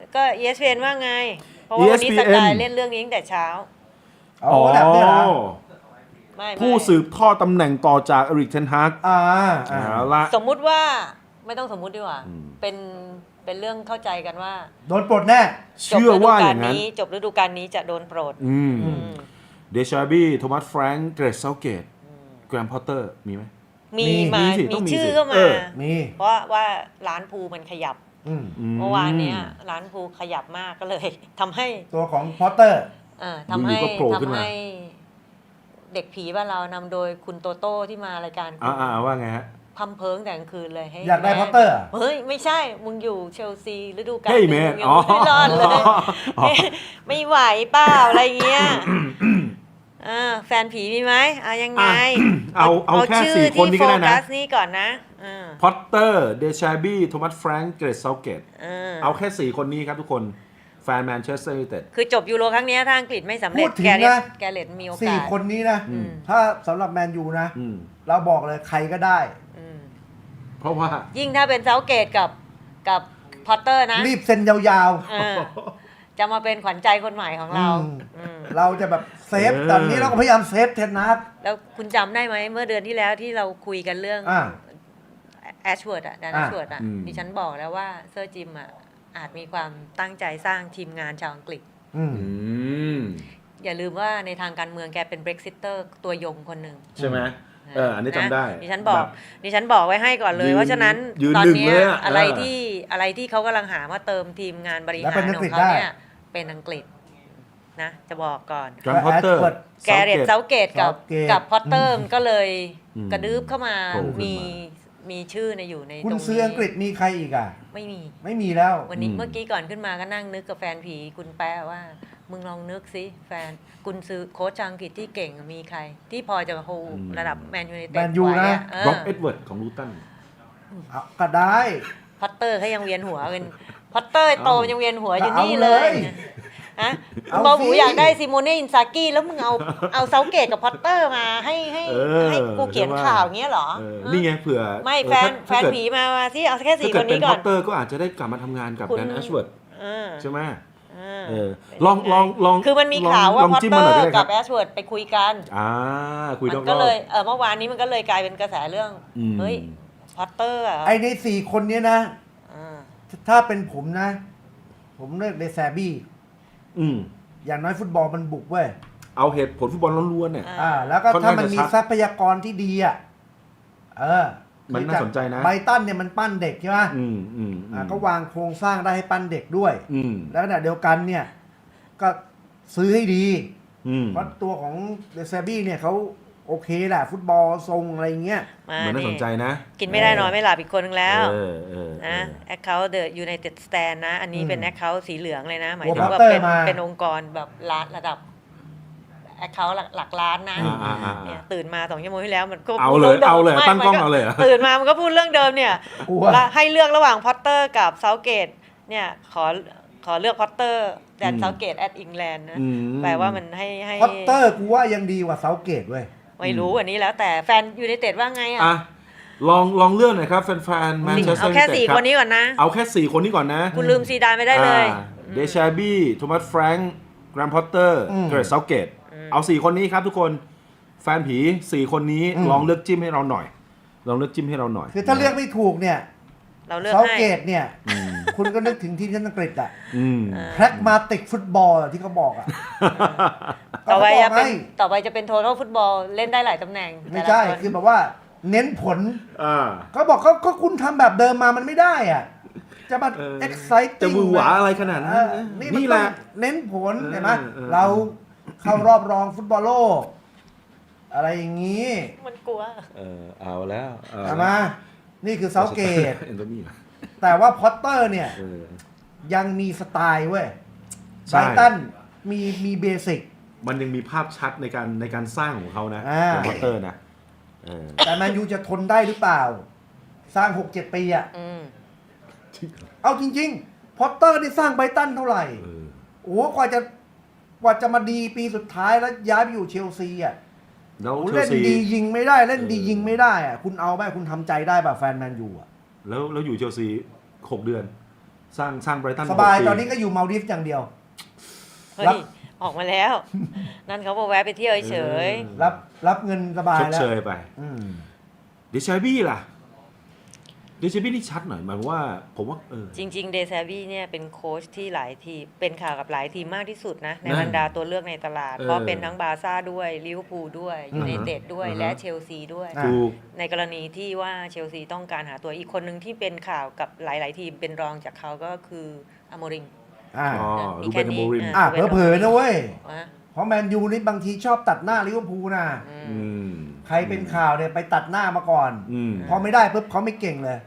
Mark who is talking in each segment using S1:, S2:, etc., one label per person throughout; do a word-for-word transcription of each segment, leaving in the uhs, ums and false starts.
S1: ก็ อี เอส พี เอ็น ว่าไงเพราะว่าวันนี้สกายเล่นเรื่องนี้ตั้งแต่เช้า
S2: อ๋อแบบนี้เหรอ
S1: ไม่ไม่
S3: ผู้สืบทอดตำแหน่งต่อจากเอริกเทนฮาก
S2: อ่าอ่า
S3: เอาละ
S1: สมมุติว่าไม่ต้องสมมุติดีกว่า
S3: อืม
S1: เป็นเป็นเรื่องเข้าใจกันว่า
S2: โดนปลดแน่
S3: เชื่อว่าอย่างนั้น
S1: จบฤดูกาลนี้จะโดนโปรด
S3: อืม
S1: อืม
S3: เดชาบี้โทมัสแฟรงค์เกรซเซาเกตแกรมพอตเตอร์มีไหม
S1: มี
S2: มี
S1: มา
S3: มีสิต้
S1: มี
S3: องมี
S1: ชื่อ
S3: สิ
S1: ก็
S3: เอ
S1: มา
S3: อ
S2: มี
S1: เพราะว่าร้านภูมันขยับ
S2: อืม
S1: เมื่อวานเนี้ยร้านภูขยับมากก็เลย ทำให้
S2: ตัวของพอตเตอร์
S1: อ่าทำให้
S3: อยู่ๆก็โผล่ขึ้น
S1: ทำ
S3: มา
S1: ให้เด็กผีบ้านเรานำโดยคุณโตโต้ที่มารายการ
S3: อ่าอ่าว่าไงฮะ
S1: พัมเพิงแต่กลางคืนเลยให้
S2: อยากได้
S1: แม่
S2: พอตเตอร์อะ
S1: เฮ้ย ไม่ใช่ มึงอยู่เชลซีฤดูกาล
S3: เฮ้ย
S1: หนึ่ง
S3: แมน
S1: มึงยัง
S3: อ๋อ
S1: ไม่รอดเลย
S3: อ๋อ
S1: ไม่ไหวเปล่าอะไรเงี้ยอ่าแฟนผีมีไหมเอายังไง
S3: อ่ะเอาเอาแค่
S1: ชื่
S3: สี่คนนี้ก็ได้นะ
S1: ที่โฟกัสนี่ก่อนนะอ่า
S3: พอตเตอร์เดชาบี้โทมัสแฟรงค์เกรซเซาเกต
S1: อ่า
S3: เอาแค่สี่คนนี้ครับทุกคนแฟนแมนเชสเตอร์ยูไนเต็ด
S1: คือจบยูโรครั้งเนี้ยถ้าอังกฤษไม่สำเร็
S2: พู
S1: จ
S2: ดถึง
S1: แกเรต
S2: นะ
S1: แกเรตมีโอ
S2: สี่
S1: กาส
S2: คนนี้นะ
S1: อืม
S2: ถ้าสำหรับแมนยูนะ
S3: อืม
S2: เราบอกเลยใครก็ได้
S1: อืม
S3: เพราะว่า
S1: ยิ่งถ้าเป็นเซาเกตกับกับพอตเตอร์นะ
S2: รีบเซ็นยาว
S1: เออจะมาเป็นขวัญใจคนใหม่ของเรา
S2: อืม
S1: อืม
S2: ๆ เราจะแบบเซฟ
S3: เออ
S2: ตอนนี้เราก็พยายามเซฟเทนนัท
S1: แล้วคุณจำได้ไหมเมื่อเดือนที่แล้วที่เราคุยกันเรื่อง
S2: อ่า
S1: แอชเวิร์ดอะแดนแอ
S2: อ่า
S1: ชเวิร์ดอะ
S3: อืม
S1: ดิฉันบอกแล้วว่าเซอร์จิมอะอาจมีความตั้งใจสร้างทีมงานชาวอังกฤษ
S2: อืม
S3: อืม
S1: อย่าลืมว่าในทางการเมืองแกเป็นเบรกซิเตอร์ตัวยงคนหนึ่ง
S3: ใช่ไหมเอออันนี้จำได้
S1: ดิฉันบอก
S3: แบบ
S1: ดิฉันบอกไว้ให้ก่อนเลย
S3: ยืน
S1: เพราะฉะนั้น
S3: ยืน
S1: ตอน
S3: หนึ่ง
S1: เนี้ย
S3: เลยอะ
S1: อะไร
S3: เออ
S1: ที่อะไรที่เขากำลังหามาเติมทีมงานบริ
S2: แล้ว
S1: หา
S2: เป็
S1: ร
S2: นอั
S1: ข
S2: ง
S1: อก
S2: ฤษ
S1: งเขา
S2: ได้
S1: เนี่ยเป็นอังกฤษนะจะบอกก่อน
S3: แกรมพอตเตอร์
S2: Ashford
S1: แกเรตเซาเกตกับ
S2: Southgate
S1: กับพอตเตอร์ก็เลย
S3: อืม
S1: กระดืบเข้ามา
S3: โผล่ขึ้นมามี
S1: มีมีชื่อในอยู่ใน
S2: คุณ
S1: ตรง
S2: ซื้ออังกฤษมีใครอีกอ่ะ
S1: ไม่มี
S2: ไม่มีแล้ว
S1: วันนี้
S3: อืม
S1: เมื่อกี้ก่อนขึ้นมาก็นั่งนึกกับแฟนผีคุณแป๊ะว่า มึงลองนึกสิแฟนกุนซื้อโค้ชชาวอังกฤษที่เก่งมีใคร ที่พอจะโฮระดับแมนยูไนเต็ด
S2: แมนยู
S1: ไว้
S2: นะ
S1: อะเอ
S3: ร็อ
S1: อก
S3: เอ็ดเวิร์ดของลูตัน
S2: เอาก็ได้
S1: พอตเตอร์เขายังเวียนหัวกันพอตเตอร์โต
S3: เอายั
S1: ยังเวียนหัวอยู่
S2: เอา
S1: นี่เลย
S2: เลย
S1: ฮะ
S2: เอา
S1: บอบู
S2: สิ
S1: อยากได้ซิโมเน่อินซากิแล้วมึงเอาเอาเซาเกตกับพอตเตอร์มาให้ให้
S3: เออ
S1: ให้กูเขียน
S3: ใช่ปะ
S1: ข่าวอย่างเงี้ยเหรอ
S3: เออนี่ไงเผื่อ
S1: ไม่
S3: เออ
S1: แฟน
S3: ถ้า
S1: แฟน
S3: ถ้าเกิด
S1: ผีมาว่าที่เอาแค่
S3: ถ้า
S1: สี่
S3: เกิ
S1: ค
S3: ด
S1: น
S3: เป็
S1: นี้
S3: น
S1: ก่
S3: พ
S1: อ
S3: อน ตเตอร์ก็อาจจะได้กลับมาทำงานกับ
S1: คุณ
S3: แดนแอชเวิร์ด
S1: เออ
S3: ใช่ไหม
S1: เออ
S3: เออ
S1: เป็น
S3: ลอง
S1: ยังไง
S3: ลองลอง
S1: คือมันมี
S3: ลอง
S1: ข่าวว่า
S3: ลอง
S1: พอต
S3: จิ้ม
S1: เตอ
S3: มาหน่อยก็
S1: ร์
S3: ได้ค
S1: กั
S3: รั
S1: บบ แอชเวิร์ดไปคุยกัน
S3: อ่าคุยร
S1: มั
S3: อบ
S1: น
S3: ๆ
S1: ก็เลยเออเมื่อวานนี้มันก็เลยกลายเป็นกระแสเรื่อง
S3: อืม
S1: เฮ้ยพอตเตอร์อะ
S2: ไอในสี่คนเนี้ยนะ
S1: อ่า
S2: ถ้าเป็นผมนะ ผมเลือกเดซาบี้
S3: อืม
S2: อย่างน้อยฟุตบอลมันบุกเว้ย
S3: เอาเหตุผลฟุตบอลล้วนๆเนี่ย
S2: อ่า แล้วก็
S3: ค่อน
S2: ถ้า
S3: ข้าง
S2: มัน
S3: จะ
S2: มี
S3: ชัด
S2: ทรัพยากรที่ดีอ่ะ เออ
S3: มันน่าสนใจนะ
S2: ไบรตันเนี่ยมันปั้นเด็กใช่ไหม
S3: อืมอืม
S2: อ่าก็วางโครงสร้างได้ให้ปั้นเด็กด้วย
S3: อืม
S2: แล้วขณะเดียวกันเนี่ย ก็ซื้อให้ดี
S3: อืม
S2: เพราะตัวของเดซาบี้เนี่ยเขาโอเคแหละ ฟุตบอลทรงอะไรเงี้ย
S1: มา
S3: เหมือนน่าสนใจนะ
S1: กินไม่ได้นอนไม่หลับอีกคนนึงแล้ว
S3: เออเออเอ
S1: นะ
S3: อ
S1: แอคเคาท์เดอะยูไนเต็ดสแตนนะ อันนี้เป็น
S2: อืม
S1: แอคเคาท์สีเหลืองเลยนะ หมาย
S2: หัว
S1: ถึงว่า
S2: Potter
S1: เป็น
S2: มา
S1: เป็นองค์กรแบบล้านระดับแอคเคาท์หลักล้านนะ
S3: อ่าอ่าอ่า
S1: เนี่ยตื่นมาสองชั่วโมงที่แล้วมันก็
S3: เอา
S1: พูด
S3: เลย
S1: รื่องดิม
S3: เอาเลย
S1: ไม่
S3: ตั้งกล้อง
S1: มัน
S3: เอาเลยเหรอ
S1: ตื่นมามันก็พูดเรื่องเดิมเนี่ย
S2: กลัว
S1: แล้วให้เลือกระหว่างพอตเตอร์กับเซาเกตเนี่ยขอขอเลือกพอตเตอร์แดน
S3: อืม
S1: เซาเกตแอดอิงแลนด์นะ
S3: อืม
S1: แปลว่ามันให้ให้
S2: พอตเตอร์กูว่ายังดีกว่าเซาเกตเว้ย
S1: ไม่รู้อันนี้แล้วแต่แฟนยูไนเต็ดว่าไงอ่ะ
S3: อ่ะลองลองเลื่อนหน่อยครับแฟนๆแมน
S1: สี่
S3: เชสเตอ
S1: เอา
S3: ร์
S1: แค่
S3: ยูไนเต็
S1: สี่
S3: ดครั
S1: ค
S3: บ
S1: นนี้ก่อนนะ
S3: เอาแค่สี่คนนี้ก่อนนะ
S1: คุณลืมซีดานไม่ได้เลย
S3: เดชาบี้โทมัสแฟรงค์แกรมพอตเตอร์
S2: อืม
S3: เกรซเซาเกตเอาสี่คนนี้ครับทุกคนแฟนผีสี่คนนี้
S2: อืม
S3: ลองเลือกจิ้มให้เราหน่อย ลองเลือกจิ้มให้เราหน่อย
S2: คือถ้าเลือกไม่ถูกเนี่ย
S1: เราเลือก
S2: เซา
S1: ให้
S2: เกตเนี่ย
S3: อืม
S2: คุณก็นึกถึงทีมชาติอังกฤษอะ
S3: อืม
S2: แพรกมาติกฟุตบอลที่เขาบอกอะ
S1: ต่อไป
S2: เขาบ
S1: จะ
S2: อก
S1: เป็น
S2: ให้
S1: ต่อไปจะเป็นโท tal ฟุตบอลเล่นได้หลายตำแหน่ง
S2: ไม่ใช่
S1: แต่ละน
S2: คือแบบว่าเน้นผล
S3: อ่า
S2: เขาบอกเขาก็คุณทำแบบเดิมมามันไม่ได้อ่ะ จะมา
S3: เออ
S2: exciting
S3: จะหวือหวาอะไรขนาดนั้น
S2: เออนี่มัน
S3: นี่
S2: ต้
S3: แห
S2: อง
S3: ละ
S2: เน้นผล
S3: เออ
S2: เห็นไหม
S3: เออ
S2: เราเข้ารอบรองฟุตบอลโลก อะไรอย่างนี้
S1: มันกลัว
S3: เออเอาแล้วเอา
S2: ใช่ไหมนี่คือเซาเกต
S3: เอนโทนี่เหรอ
S2: แต่ว่าพอตเตอร์เนี่ย
S3: เออ
S2: ยังมีสไตล์เว้ย
S3: ใช่
S2: ไบรตันมีมีเบสิก
S3: มันยังมีภาพชัดในการในการสร้างของเขานะ
S2: อ่า
S3: ของพอตเตอร์นะเออ
S2: แต่แมนยูจะทนได้หรือเปล่า สร้าง หกเจ็ด ปีอ่ะ
S1: อืม
S2: เอาจริงๆ พอตเตอร์นี่สร้างไบรตันเท่าไหร่
S3: เออ
S2: โอ้โหกว่าจะกว่าจะมาดีปีสุดท้ายแล้วย้ายไปอยู่เชลซีอ่ะ
S3: แล้ว
S2: โอ้
S3: เชล
S2: เล่น
S3: ซี
S2: ดียิงไม่ได้เล่นดี
S3: เออ
S2: ยิงไม่ได้อ่ะคุณเอาไหมคุณทำใจได้ป่ะแฟนแมนยูอ่ะ
S3: แล้วแล้วอยู่เชลซีหกเดือนสร้างสร้างไบรตัน
S2: สบายตอนนี้ก็อยู่มาลดีฟอย่างเดียว
S1: เฮ้
S2: รั
S1: ย
S2: บ
S1: ออกมาแล้ว นั่นเขาบอกแวะไปเที่ยวเฉย
S2: รับรับเงินสบาย
S3: ชด
S2: แล้ว
S3: เชยไป
S2: อืม
S3: เดชาบี้ล่ะเดชาบี้นี่ชัดหน่อยหมายความว่า ผมว่าเออ
S1: จริงๆเดซาบี้เนี่ยเป็นโค้ชที่หลายทีมเป็นข่าวกับหลายทีมมากที่สุดนะ ใน
S3: นั่น
S1: บรรดาตัวเลือกในตลาด
S3: เออ
S1: เพราะเป็นทั้งบาร์ซ่าด้วยลิเวอร์พูลด้วย
S2: อื
S1: ยู
S2: อฮึ
S1: ไนเต็ดด้วย
S3: อือฮึ
S1: และเชลซีด้วย
S2: อ่ะ
S3: ถูก
S1: ในกรณีที่ว่าเชลซีต้องการหาตัวอีกคนหนึ่งที่เป็นข่าวกับหลาย ๆ ทีมเป็นรองจากเขาก็คืออโมริม
S2: อ่า
S3: อ๋อ
S1: มี
S3: รู
S1: แค่
S3: เบน
S1: นี้
S3: โมริม
S1: อ่ะ
S2: อ่ะเผลอๆนะเว้ย
S1: วะ
S2: เพราะแมนยูนี่บางทีชอบตัดหน้าลิเวอร์พูลนะ
S1: อืม
S3: อืม
S2: ใครเป็นข่าวเนี่ยไปตัดหน้ามาก่อน
S3: อืม
S2: พอไม่ได้ปุ๊บเขาไม่เก่งเลย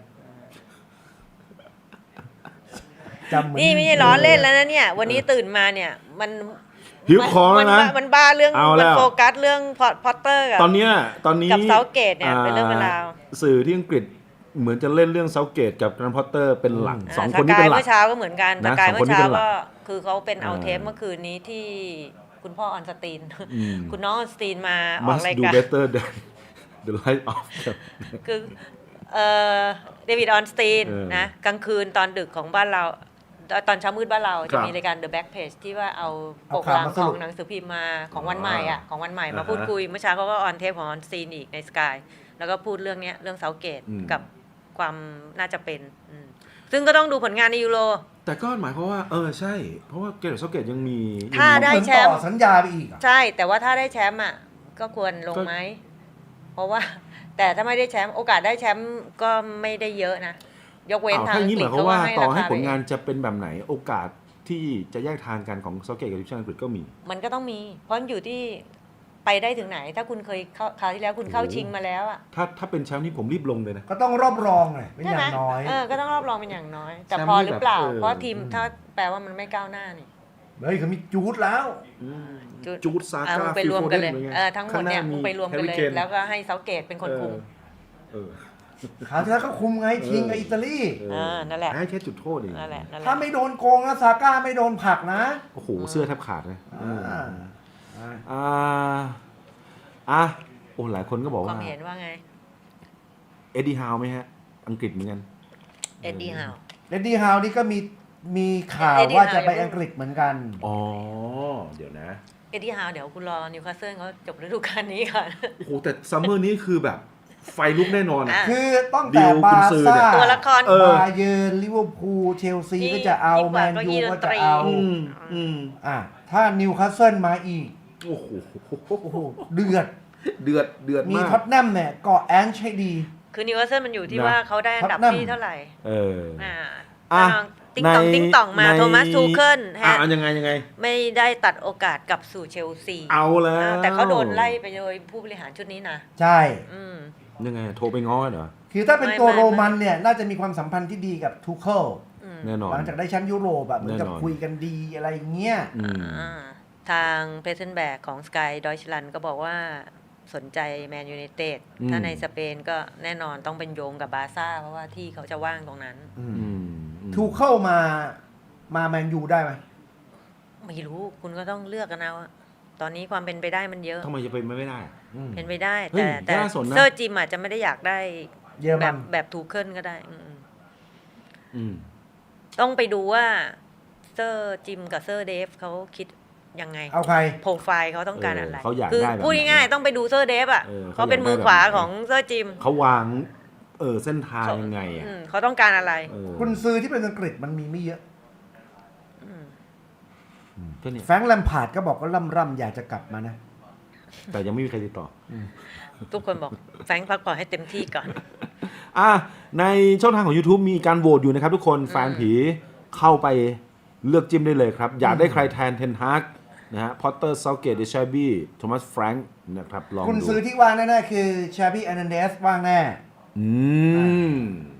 S2: จำเหมือน
S1: นี่ไม่ใช่ล้อเล่นแล้วนะเนี่ย วันนี้ตื่นมาเนี่ยมัน
S3: หิวคอแล้วนะ
S1: มันมันบ้าเรื่อง
S3: เอา
S1: มั
S3: แล้ว
S1: โฟกัสเรื่องพอตเตอร์กับ
S3: ตอนเนี้ยตอนนี้
S1: กับ Southgate เนี่ยเป็นเรื่องเป็นราว
S3: อ่สื่อที่อังกฤษเหมือนจะเล่นเรื่องเซาเกตกับแกรนพอตเตอร์เป็นหลักสอง
S1: า
S3: คนนี้
S1: ส
S3: เป็
S1: กาย
S3: นหลัก
S1: เมื่อเช้าก็เหมือนกัน
S3: นะ
S1: สกาย
S3: สอง
S1: เมื่
S3: คน
S1: อ
S3: นี้
S1: เช้า
S3: เป็นหลัก
S1: ก็คือเขาเป็นเอา
S3: อ่า
S1: เทปเมื่อคืนนี้ที่คุณพ่อออนสตีน
S3: อืม
S1: คุณน้องออนสตีนมาออก
S3: must
S1: ราย
S3: do
S1: การ
S3: better than the light of
S1: คือเอ่อเดวิดออนสตีน
S3: เออ
S1: นะกลางคืนตอนดึกของบ้านเรา ตอนเช้ามืดบ้านเรา
S3: ครั
S1: จะ
S3: บ
S1: มีรายการ The Back Page ที่ว่าเอาป
S2: เอา
S1: ก
S2: ข่าว
S1: หลัง
S2: มาส
S1: ข
S2: รุ
S1: อ
S2: ป
S1: งหนังสือพิมพ์มาของวันใหม่อ่ะของวันใหม่มา
S3: อ่าฮะ
S1: พูดคุยเมื่อเช้าเขาก็ออนเทปของออนสตีนอีกในสกายแล้วก็พูดเรื่องเนี้ยเรื่องเซาเกต
S3: อืม
S1: กับความน่าจะเป็นอืมซึ่งก็ต้องดูผลงานในยูโร
S3: แต่ก็หมายความว่า เออใช่ เพราะว่าเกรดเซาเกตยังมี
S1: ถ้า
S3: ยังมี
S1: ได้
S2: เหมือน
S1: แชมป์
S2: ต่อสัญญาไปอีกอ่ะ
S1: ใช่แต่ว่าถ้าได้แชมป์อ่ะก็ควรลง
S3: ก็
S1: ไหม เพราะว่า แต่ถ้าไม่ได้แชมป์โอกาสได้แชมป์ก็ไม่ได้เยอะนะ ยกเว้น
S3: อ้าว
S1: ทาง
S3: ถ้าอ
S1: อั
S3: ย่าง
S1: ง
S3: นี้
S1: ก
S3: ห
S1: ฤษ
S3: มายความว่า
S1: ให้
S3: ต่อ
S1: รา
S3: ให้
S1: คา
S3: ผลงาน
S1: ไป
S3: จะเป็นแบบไหน โอกาสที่จะแยกทางกันของเซาเกตกับทีมชาติอังกฤษก็มี
S1: มันก็ต้องมี เพราะอยู่ที่ไปได้ถึงไหน ถ้าคุณเคยเข้าคราวที่แล้วคุณเข้า
S3: โอ้โห
S1: ชิงมาแล้วอ่ะ
S3: ถ้าถ้าเป็นแชมป์นี่ผมรีบลงเลยนะ
S2: ก็ต้องรอบรองเลยเป็น
S1: ใช่
S2: อ
S1: ไหม
S2: ย่างน้อย
S1: เออก็ต้องรอบรองเป็นอย่างน้อย แต่
S3: แชมป์
S1: พอ
S3: นี่
S1: หรือเปล่า
S3: แบบเออ
S1: เพราะทีมถ้าแปลว่ามันไม่ก้าวหน้านี่
S2: เฮ้ยเขามีจูดแล้ว
S1: จุด
S3: จูดซา
S1: อ่ะ
S3: ก้า
S1: มึงไปรวมกันเลยเออทั้งหมดเนี่ย
S3: ข้าา
S1: มึงไปรวมกันเลย
S3: แฮร์
S1: แล้วก็ให้เซาเกตเป็นคนคุม
S3: เออ
S2: คราวที่แล้วก็คุมไงชิงกับอิตาลี
S3: เอ
S1: เอ
S3: อ
S1: อนั่นแหละ
S3: ให้แค่จุดโทษเอง
S1: นั่นแหละนั่นแห
S2: ถ้า
S1: ละ
S2: ไม่โดนโกงนะซาก้าไม่โดนผลักนะ
S3: โอ้โห เสื้อแทบขาดเลย
S2: อ่าอ่า
S3: อ่าอ่ะโอ้หลายคนก็บอก
S1: ควา
S3: ว่า
S1: มเห็นว่าไง
S3: เอ็ดดี้ฮาวไหมฮะ อังกฤษเหมือนกัน
S1: เอ็ดดี้ฮาว
S2: เลดดี้ฮาวนี่ก็มีมีข่าว
S1: เอ็ดดี้
S2: ว่าจะ
S1: ฮาว
S2: ไป
S1: อย่าเพิ่ง
S2: อังกฤษเหมือนกัน
S3: อ๋อ เดี๋ยวนะ
S1: เอ็ดดี้ฮาวเดี๋ยวคุณรอนิวคาสเซิลเขาจบฤดูกาลนี้ก่อน
S3: โอ้โห แต่ซัมเมอร์นี้คือแบบไฟลุกแน่นอนอะ
S1: อ่ะ
S2: คือต้อง
S3: ดิ
S2: แต่
S3: ว
S2: บา
S3: กุน
S2: ร์
S3: ซือ
S2: ซ่า
S3: เนี่ย
S1: ตัวละคร
S3: เออ
S2: บาเยิร์นลิเวอร์พูลเชลซี
S1: นี่
S2: ก็จะเอา
S1: ยิ่งก
S2: แม
S1: ว่าน เก้าอี้
S2: ยู
S1: ด
S2: ก็
S1: นต
S2: จะ
S1: รี
S2: เอา
S3: อืมอืม
S2: อ่ะถ้านิวคาสเซิลมาอีก
S3: โอ้โห
S2: โอ้โหเดือด
S3: เดือด เดือด
S2: มี
S3: มาก
S2: ท็อตแนมเนี่ยเกาะแอนช์ให้ดี
S1: คือนิวคาสเซิลมันอยู่ที่
S3: นะ
S1: ว่าเขาได้อันดับ
S2: ท็อตแนม
S1: ที่เท่าไหร่
S3: เออ
S1: อ่า
S3: อ่ะ
S1: ติ๊งตอง
S3: ใน
S1: ติ๊งตองมา
S3: ใน
S1: โทมัสทูเคิลฮะ
S3: อ่ะยังไงยังไง
S1: ไม่ได้ตัดโอกาสกลับสู่เชลซี
S3: เอาแล้ว
S1: อ่าแต่เขาโดนไล่ไปโดยผู้บริหารชุดนี้นะ
S2: ใช่
S1: อืม
S3: ยังไง โทรไปง้อเหรอ
S2: คือถ้าเป็น
S1: ไม่
S2: ตัว
S1: ไม่
S2: โรมันเนี่ย น่าจะมีความสัมพันธ์ที่ดีกับทูเคิล
S1: อืม
S3: แน่นอน
S2: หลังจากได้แชมป์ยุโรปแบบเหมือนกับ
S3: แน่นอน
S2: คุยกันดีอะไรอย่างเงี้ย
S3: อืม
S1: อ่าทางเพเซนแบกของสกายดอยชลันก็บอกว่าสนใจแมนยู ไนเต็ด
S3: อืม
S1: ถ้าในสเปนก็แน่นอนต้องเป็นโยงกับบาร์ซ่า เพราะว่าที่เขาจะว่างตรงนั้น
S3: อืมอืม
S2: ทูเคิลมามาแมนยูได้ไหม
S1: ไม่รู้คุณก็ต้องเลือกกันเอาอะตอนนี้ความเป็นไปได้มันเยอะ
S3: ทำไมจะเป็นไม่ได้
S2: อืม
S1: เป็นไปได้
S3: เฮ้ย
S1: แต่แต่
S3: น่าสนนะ
S1: เซอร์จิมอาจจะไม่ได้อยากได้
S2: เยอร
S1: แบ
S2: มั
S1: บ
S2: น
S1: แบบทูเคิลก็ได้อืม
S3: อืม
S1: ต้องไปดูว่าเซอร์จิมกับเซอร์เดฟเขาคิดยังไง
S2: เอาใคร
S1: โปรไฟล์เขาต้องการอะไร
S3: เออเขาอยาก
S1: คื
S3: ได้แบบ
S1: พูด
S3: ไหน
S1: ง่ายๆต้องไปดูเซอร์เดฟอ่ะ
S3: เออเขา
S1: เขาเป็น
S3: อยากได้
S1: มือขวา
S3: แบบไหน
S1: ของเซอร์จิม
S3: เขาวาง เออ เส้นทางยังไงอ่ะ
S1: อืมเขาต้องการอะไร
S3: เออ
S2: คุณซื้อที่เป็นอังกฤษมันมีไม่เยอะ
S1: อืม
S3: อืมก็เนี่ย
S2: แฟรงค์แลมพาร์ดก็บอกว่าล่ำร่ำอยากจะกลับมานะ
S3: แต่ยังไม่มีใครติดต่อ
S1: ทุกคนบอกแฟรงค์พักผ่อนให้เต็มที่ก่อน
S3: อ่ะในช่องทางของ YouTube มีการโหวตอยู่นะครับทุกคนแฟนผีเข้าไปเลือกจิ้มได้เลยครับ อยากได้ใครแทนเทนฮากนะฮะพอตเตอร์เซาเกตเดชาบี้โทมัสแฟรงค์นะครับลอง
S2: คุณ
S3: ดู
S2: ซื้อที่ว่างแน่ๆคือชาบี้แอนเดสว่างแน่
S3: อืม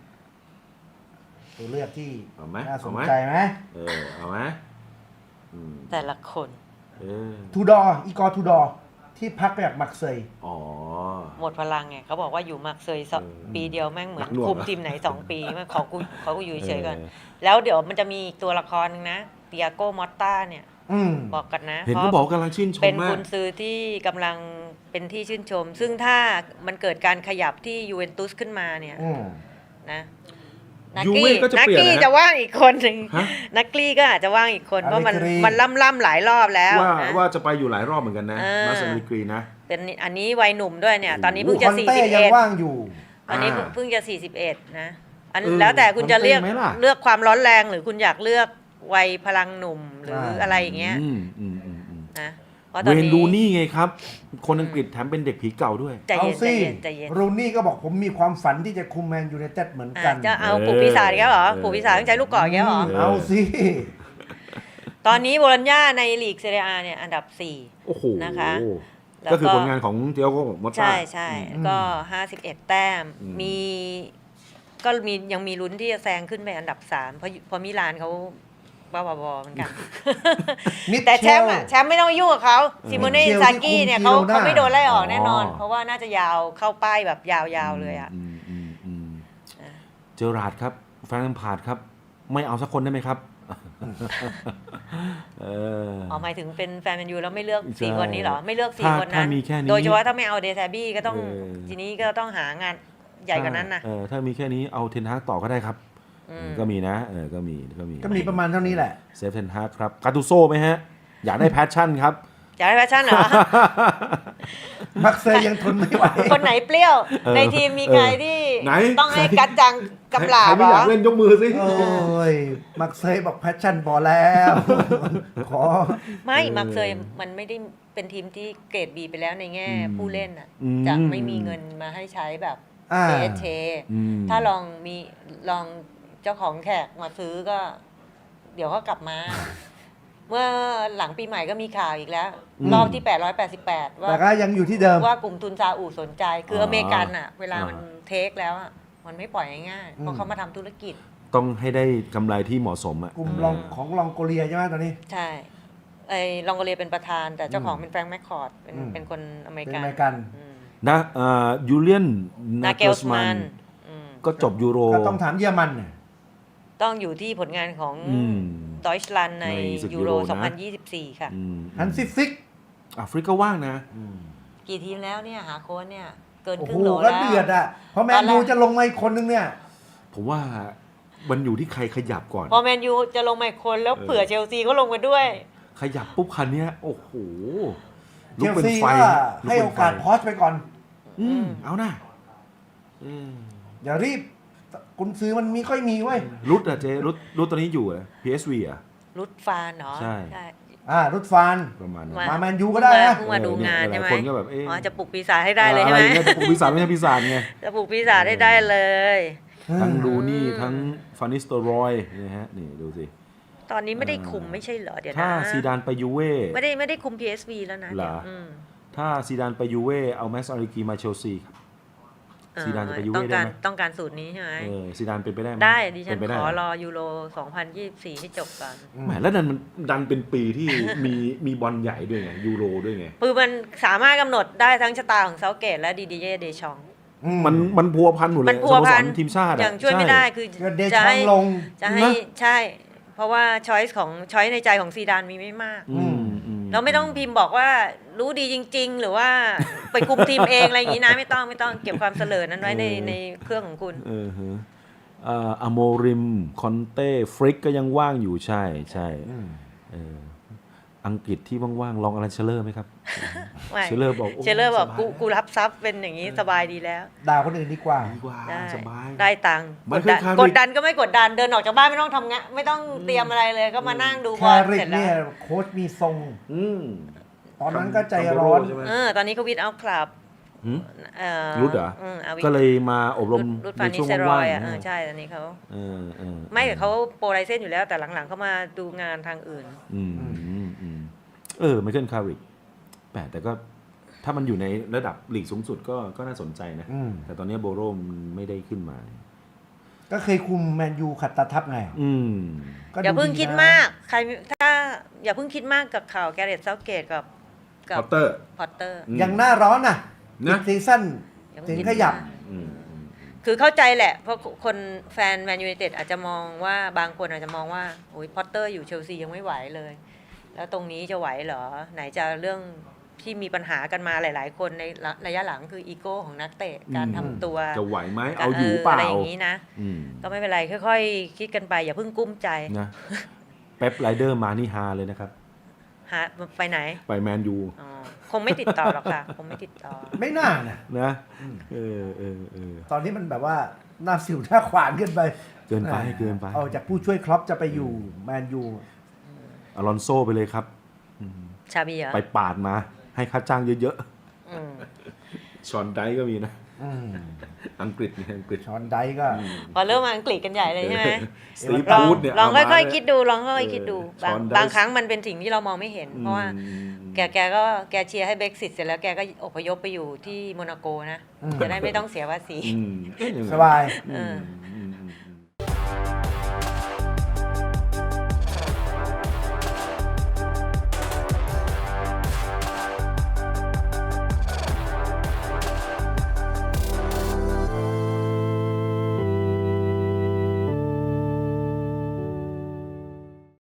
S2: ตัวเลือกที่
S3: เอาไหม
S2: น่าส
S3: เอา
S2: น
S3: ไหม
S2: ใจไหม
S3: เออเอาไหมอืม
S1: แต่ละคน
S3: เออ
S2: ทูดอร์อีกอร์ทูดอร์ที่พักจากมักเซย
S3: อ๋อ
S1: หมดพลังไงเขาบอกว่าอยู่มักเซยสอง
S3: เออ
S1: ปีเดียวแม่งเหมือน
S3: หนักหน่วง
S1: คุม
S3: อะ
S1: ทีมไหนสองปีมันขอกูขอกูอยู่เฉยๆก่อน
S3: เออ
S1: แล้วเดี๋ยวมันจะมีอีกตัวละครหนึงนะเตียโกมอตตาเนี่ย
S2: อืม
S1: บอกกันนะ
S3: เห็น
S1: เพ
S3: ก็
S1: ราะ
S3: บอกกำลังชื่นชม
S1: เป็น
S3: มา
S1: กุ
S3: ก
S1: นซือที่กำลังเป็นที่ชื่นชม ซึ่งถ้ามันเกิดการขยับที่ยูเวนตุสขึ้นมาเนี่ย
S2: อืม
S1: นะนัก
S3: ยู
S1: กี้
S3: เว่ก็จะ
S1: นัก
S3: เปลี่ยน
S1: กี้
S3: นะ
S1: จะว่างอีกคนหนึ่ง
S3: ฮะ
S1: นักกี้ก็อาจจะว่างอีกคน เพราะมัน
S2: Allegri
S1: มันล่ำล่ำๆหลายรอบแล้ว
S3: ว่า
S1: นะ
S3: ว่าจะไปอยู่หลายรอบเหมือนกันนะ
S1: เออ
S3: มาสเตอร์กรีนะ
S1: เป็นอันนี้วัยหนุ่มด้วยเนี่ย ตอนนี้เพิ่ง
S2: ค
S1: จะ
S2: อน
S1: สี่
S2: เต้
S1: สิบ
S2: ยัง
S1: เอ็ด
S2: ว่างอยู่
S1: ตอนนี้
S3: อ่า
S1: เพิ่งจะสี่สิบเอ็ดนะอัน
S3: เออ
S1: แล้วแต่คุณจะเลือก
S3: มันเป็นไหมล่ะ
S1: เลือกความร้อนแรงหรือคุณอยากเลือกวัยพลังหนุ่มหรือ
S2: ใช่
S1: อะไรอย่างเงี้ย
S3: อืมอืมอืมอืม
S1: นะเพราะตอน
S3: เวน
S1: นี้
S3: ดูนี่ไงครับ คนอังกฤษแถมเป็นเด็กผีเก่าด้วย
S1: ใจ
S2: เอา
S1: เย็นใจ
S2: สิ
S1: เย็นใจเย็น
S2: รูนี่ก็บอกผมมีความฝันที่จะคุมแมนยูไนเต็ดเหมือนกั
S1: อ่ะ
S2: น
S1: จะเอาปลูกปีศาจอีกแล้วเหรอ
S3: เออ
S1: ปลูกปีศาจต้องใช้ลูกกรอกอีกแล้วเหรอ
S3: เออ
S2: เอาสิ
S1: ตอนนี้โบโลญญาในลีกเซเรียอาเนี่ยอันดับสี่
S3: โอ้โห
S1: นะคะ แล้ว
S3: ก็คือ
S1: ก็
S3: ผลงานของเดียโก้มอตตา
S1: ใช่ใช่
S2: อืม
S1: ก็ห้าสิบเอ็ดแต้ม
S3: อืม
S1: มีก็มียังมีลุ้นที่จะแซงขึ้นไปอันดับสามเพราะเพราะมิลานเขาบ้าบอๆเหมือนกัน
S2: มิเชล
S1: แต่แชมป์อะแชมป์ไม่ต้องไปยุ่งกับเขาซิโมเน่
S2: มิเชล
S1: ซากี้เนี่ยเขา
S2: ที่คุม
S1: เขาไม่โดนไล่ออก
S3: อ๋อ
S1: แน่นอน เพราะว่าน่าจะยาวเข้าป้ายแบบยาวๆเลยอ่ะ
S3: มอืมอืม
S1: อ่ะ
S3: เจอราร์ดครับแฟรงค์พาร์ดครับ ไม่เอาสักคนได้ไหมครับ เออ
S1: อ๋อหมายถึงเป็นแฟนแมนยูแล้วไม่เลือก
S3: ใช่
S1: สี่คนนี้เหรอ ไม่เลือกสี่
S3: ถ้า
S1: คนนั้น
S3: ถ้ามีแค่นี้
S1: โดยเฉพาะถ้าไม่เอาเดซาบี้ก็ต้อง
S3: เออ
S1: ทีนี้ก็ต้องหางานใหญ่กว่านั้นนะ
S3: เออถ้ามีแค่นี้เอาเทนฮากต่อก็ได้ครับ
S1: อืม
S3: ก็มีนะเออก็มีก็มี
S2: ก็มีประมาณเท่านี้แหละ
S3: เซฟเทนฮากครับกาตูโซ่ไหมฮะ อยากได้แพชชั่นครับ
S1: อยากได้แฟชั่นเหรอ
S2: มักเซย์ยังทนไม่ไหว
S1: คนไหนเปรี้ยว
S3: เออ
S1: ในทีมมีใคร
S3: เออ
S1: ที่
S3: ไหน
S1: ต้องให้
S3: ใคร
S1: กัดจังกำลา
S3: ใคร
S1: บ
S3: ไม่
S1: เหร
S3: อยา
S1: อก
S3: เล่นยกมือสิ
S2: โอ้ย มักเซย์บอกแพชชั่นพอแล้ว ขอ
S1: ไม่
S3: เออ
S1: มักเซยมันไม่ได้เป็นทีมที่เกรดบีไปแล้วในแง่
S3: อืม
S1: ผู้เล่นอ่ะ
S3: อืม
S1: จะไม่มีเงินมาให้ใช้แบบ
S2: อ่า
S1: เอเช
S3: อืม
S1: ถ้าลองมีลองเจ้าของแขกมาซื้อก็ เดี๋ยวก็กลับมา เมื่อหลังปีใหม่ก็มีข่าวอีกแล้ว
S3: อืม
S1: รอบที่แปดร้อยแปดสิบแปดว่า
S2: แต่ก็ยังอยู่ที่เดิม
S1: ว่ากลุ่มทุนซาอุสนใจ คือ
S3: อ
S1: อเมริกันอ่ะ เวลา
S3: อ่ามั
S1: มันเทคแล้วอ่ะมันไม่ปล่อยง่ายๆเพราะเขามาทำธุรกิจ
S3: ต้องให้ได้กำไรที่เหมาะสมอ่ะ
S2: กลุ่มลองของลองโกเลียใช่ไหมตอนนี้
S1: ใช่ไอ้ลองโกเลียเป็นประธาน แต่เจ้าของ
S2: อืม
S1: เป็นแฟรงค์แมคคอร์ดเป็น
S2: อืม
S1: เป็นคนอเมริ
S2: เป็น
S1: กั
S2: อน เมริกัน
S1: อืม
S3: นะเอ่อยูเลียน
S1: นา
S3: นา
S1: เก
S3: เก
S1: ล
S3: ล
S1: ส
S3: ส
S1: มั
S3: มัน น
S1: อืม
S3: ก็จบยูโร
S2: ก็ต้องถามเยอรมันเนี่ย
S1: ต้องอยู่ที่ผลงานของ
S3: อืม
S1: ดอยชลันใน
S3: ในศึก
S1: ยู
S3: ยู
S1: โร
S3: โรนะ
S1: สองพันยี่สิบสี่ ค่ะ
S3: อืม
S2: ฮันซิฟิก
S3: อ่ะฟริกก็ว่างนะ
S1: กี่ทีมแล้วเนี่ย หาโค้ชเนี่ย เกิน
S2: โอ้
S1: ค
S2: โห
S1: รึ่งโหล
S2: ก็
S1: แล้ว
S2: เดือดอ่ะเพราะแม
S1: ตอน นแรก
S2: ยูจะลงมาอีกคนนึงเนี่ย
S3: ผมว่ามันอยู่ที่ใครขยับก่อน
S1: พอแมนยูจะลงมาอีกคนแล้ว
S3: เออ
S1: เผื่อเชลซีก็ลงมาด้วย
S3: ขยับปุ๊บคันเนี้ยโอ้โห
S2: เช
S3: ลุก
S2: ล
S3: เป็น
S2: ซี
S3: ไฟ
S2: ก็
S3: ลุ
S2: ให้
S3: เป็น
S2: โอกาส
S3: ไฟ
S2: พอสไปก่อน
S3: อืมเอานะอืม
S2: อย่ารีบกุนซื้อมันมีค่อยมีเว้ย
S3: รุดอะเจรุดรุดตอนนี้อยู่อะ พี เอส วี อะ
S1: รุดฟานเนาะ
S3: ใช่
S2: อ่ารุดฟาน
S3: ประมาณนั้น
S1: มา
S2: มาแมนยูก็ได้นะ
S1: เพิ่งมาดูงานใช่ไหม
S3: หลายคนก็แบบเอ๊ะ
S1: อ๋อจะปลุกปีศาจให้ได้เลยใช่ไหม
S3: อะไรเงี้ยจะปลุกปีศาจไม่ใช่ปีศาจไง
S1: จะปลุกปีศาจให้ได้เลย
S3: ทั้งลูนี่ทั้งฟานิสโตรอยนะฮะนี่ดูสิ
S1: ตอนนี้ไม่ได้คุมไม่ใช่เหรอเดี๋ยว
S3: ถ้า
S1: นะ
S3: ซีดานไปยูเว่
S1: ไม่ได้ไม่ได้คุม พี เอส วี แล้วนะ
S3: เหรอ
S1: เดี๋ยวอืม
S3: ถ้าซีดานไปยูเว่เอาแม็กซ์อาริกีมาเชลซีครับ
S1: เออ
S3: ซีดานจะไปยู
S1: ต้
S3: เว่
S1: อง
S3: ได้
S1: การ
S3: ไหม
S1: ต้องการสูตรนี้ใช่ไหม
S3: เออซีดานเป็นไปได้ไหม
S1: ได้ดิฉั
S3: เป็น นไปได้
S1: ขอ
S3: เห
S1: รอยูโรสองพันยี่สิบสี่ให้จบก่อน
S3: แหมแล้วดันมันดันเป็นปีที่ มีมีบอลใหญ่ด้วยไงยูโรด้วยไง
S1: คือมันสามารถกำหนดได้ทั้งชะตาของเซาเกตและดีดีเย่เดชอง
S2: อื
S3: มันมันพัวพันหมดเล
S1: มั
S3: ย
S1: นพัวพัน
S3: สโมสรทีมชาติอะ
S1: อย่างช่วยไม่ได้คือ
S2: ก็เด
S1: จะ
S2: ชอง
S1: ให้
S2: ลง
S1: จะให้ใช่ เพราะว่าช้อยส์ของช้อยในใจของซีดานมีไม่มาก
S3: อืมอืม
S1: เราไม่ต้องพิมพ์บอกว่ารู้ดีจริง ๆ หรือว่าไปคุมทีมเองอะไรอย่างนี้นะไม่ต้องไม่ต้องเก็บความเสลอนั้นไว้ในในเครื่องของคุณ
S3: เออฮะเอ่ออโมริมคอนเต้ฟริกก็ยังว่างอยู่ใช่ใช่เอออังกฤษที่ว่างๆลองอลันเชลเลอร์ไหมครับ
S1: ไม่
S3: เชลเลอร์บอกโ
S1: เชลเลอร์บอก
S3: สบาย
S1: กูกูรับทรัพย์เป็นอย่างนี้สบายดีแล้ว
S2: ด่าคนอื่นดีกว่า
S3: ดีกว่า
S1: ได้
S3: สบาย
S1: ได้ตังค์
S3: มั
S1: ก
S3: น
S1: ด
S3: คือ
S1: ดัน
S3: คาริ
S1: กดดันก็ไม่กดดันเดินออกจากบ้านไม่ต้องทำงานไม่ต้องเตรียมอะไรเลยก็มานั่งดูบ
S2: แค
S1: อล
S2: ริ
S1: เส
S2: ก
S1: ร็จแล้
S2: เนี่ยว โค้ชมีทรง
S3: อืม
S2: ตอนนั้นก็ใจร้อน
S3: ใช่ไหม
S1: เออตอนนี้เขาวิดเอาคลับ
S3: หืม
S1: เอ่อ
S3: รุดเหรอ
S1: มอาวิด
S3: ก็เลยมาอบรม
S1: รุด
S3: ใน
S1: ฟานิ
S3: ช่วง
S1: เซรอ
S3: ว่าง
S1: ย
S3: ๆ
S1: อ่ะเออ
S3: นะ
S1: ใช่ตอนนี้เขา
S3: เออเออ
S1: ไม่แต่เขาโปรไลเซนอยู่แล้วแต่หลังๆเขามาดูงานทางอื่น
S3: อืมอืมอืมเออไมเคิลคาริกแปลกแต่ก็ถ้ามันอยู่ในระดับลีกสูงสุดก็ก็น่าสนใจนะ
S2: อืม
S3: แต่ตอนนี้โบโรมันไม่ได้ขึ้นมา
S2: ก็เคยคุมแมนยูขัดตาทับไง
S3: อืม
S2: ก็
S1: อย่าเพิ่ง
S2: นะ
S1: คิดมาก ใครถ้าอย่าเพิ่งคิดมากกับข่าวแกเรตเซาเกตกับกั
S3: พอตเตอร์
S1: พอตเตอร์
S3: อืม
S2: ยังหน้าร้อนน่ะ
S3: นะ
S2: ซีซั่น
S1: อย่า
S2: ถึ
S1: เพิ่
S2: ง
S1: ง
S2: ข
S1: คิด
S2: ยับ
S1: มาก
S3: อืมอืม
S1: คือเข้าใจแหละ เพราะคนแฟนแมนยูไนเต็ดอาจจะมองว่าบางคนอาจจะมองว่าโอ้ยพอตเตอร์อยู่เชลซียังไม่ไหวเลย แล้วตรงนี้จะไหวเหรอ ไหนจะเรื่องที่มีปัญหากันมาหลาย ๆ คนในระยะหลังคืออีโก้ของนักเตะการทำตัว
S3: จะไหวไหมเอาอยู่เปล่า
S1: อะไรอย่างนี้นะ
S3: อืม
S1: ก็ไม่เป็นไรค่อยๆ คิดกันไปอย่าเพิ่งกุ้มใจ
S3: นะเป๊ปไรเดอร์มานี่ฮาเลยนะครับ
S1: หาไปไหน
S3: ไปแมนยู
S1: อ๋อคงไม่ติดต่อหรอกค่ะ คงไม่ติดต่อ
S2: ไม่น่านะ
S3: นะเออเออเออ
S2: ตอนนี้มันแบบว่าหน้าสิวหน้าขวานเกินไป
S3: เกินไปเกินไป
S2: เอาจากผู้ช่วยครอปจะไปอยู่แมนยู
S3: อลอนโซไปเลยครับ
S1: ชาบีเหรอ
S3: ไปปาดมา ให้ค่าจ้างเยอะ
S1: อืม
S3: ๆชอนไดก็มีนะ
S2: อืม
S3: อังกฤษเนี่ยอังกฤษ
S2: ชอนไดก็
S1: พอเริ่มมาอังกฤษกันใหญ่เลยใช่ไหม
S3: สตีฟ
S1: ลอง
S3: วูดเนี่ย
S1: ลอง
S3: เามา
S1: ค่อย
S3: เนี่
S1: ๆคิดดูลองค่อยๆคิดดู
S3: เออบ
S1: าง
S3: ช้อนได้
S1: บางครั้งมันเป็นสิ่งที่เรามองไม่เห็น เพราะว่า
S3: อืม
S1: แกแกก็แกเชียร์ให้เบรกซิตเสร็จแล้วแกก็อพยพไปอยู่ที่โมนาโกนะ
S2: อืม
S1: จะได้ไม่ต้องเสียภาษี
S3: อืมก็ยังไง
S2: สบาย
S3: อืม